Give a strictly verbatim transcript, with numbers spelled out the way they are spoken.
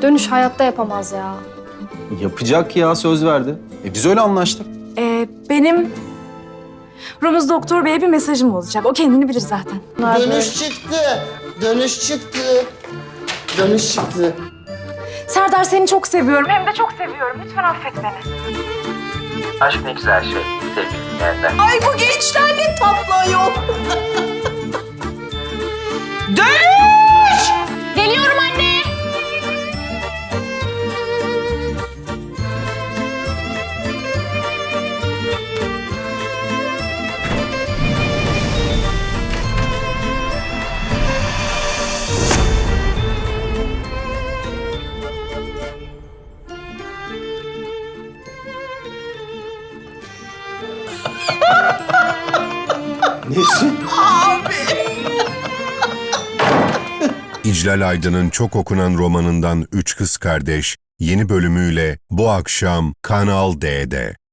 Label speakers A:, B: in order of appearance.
A: Dönüş hayatta yapamaz ya.
B: Yapacak ya, söz verdi. E biz öyle anlaştık.
C: Ee, benim Rumuz Doktor Bey'e bir mesajım olacak. O kendini bilir zaten.
D: Dönüş çıktı. Dönüş çıktı. Dönüş çıktı.
C: Serdar seni çok seviyorum. Hem de çok seviyorum. Lütfen affet beni.
E: Aşk ne güzel şey sevgili dinleyenler.
C: Ay bu gençler ne tatlı ayol.
A: Geliyorum anne.
B: Nesin?
F: İclal Aydın'ın çok okunan romanından Üç Kız Kardeş yeni bölümüyle bu akşam Kanal D'de.